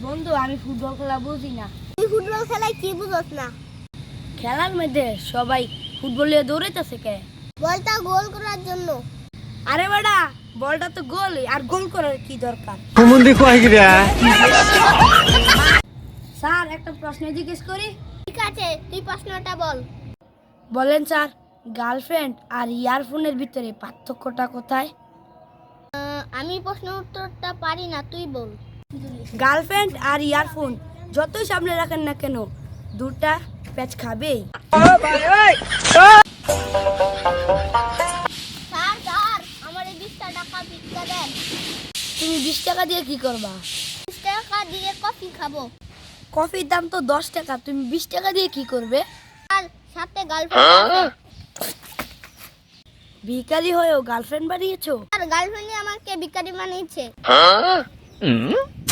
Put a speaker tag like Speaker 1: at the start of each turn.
Speaker 1: বন্ধু আমি ফুটবল খেলা বুঝি না।
Speaker 2: তুই ফুটবল খেলায় কি বুঝছ না?
Speaker 1: খেলার মধ্যে সবাই ফুটবল নিয়ে দৌড়াইতেছে কে?
Speaker 2: বলটা গোল করার জন্য।
Speaker 1: আরে বেটা, বলটা তো গোল, আর গোল করার কি দরকার? স্যার একটা প্রশ্ন জিজ্ঞেস করি?
Speaker 2: ঠিক আছে, তুই প্রশ্নটা বল।
Speaker 1: বলেন স্যার, গার্লফ্রেন্ড আর ইয়ারফোনের ভিতরে পার্থক্যটা কোথায়?
Speaker 2: আমি প্রশ্ন উত্তরটা পারি না, তুই বল।
Speaker 1: গার্লফ্রেন্ড আর ইয়ারফোন যতই সামনে রাখেন না কেন, দুটা প্যাচ খাবেই।
Speaker 2: স্যার স্যার, আমার এই 20 টাকা ভিক্ষা দেন।
Speaker 1: তুমি 20 টাকা দিয়ে কি করবা?
Speaker 2: 20 টাকা দিয়ে কফি খাবো।
Speaker 1: কফির দাম তো 10 টাকা, তুমি 20 টাকা দিয়ে কি করবে?
Speaker 2: আর সাথে গার্লফ্রেন্ড।
Speaker 1: ভিখারি হয়েও গার্লফ্রেন্ড বানিয়েছো?
Speaker 2: আর গার্লফ্রেন্ডই আমাকে ভিখারি বানিয়েছে।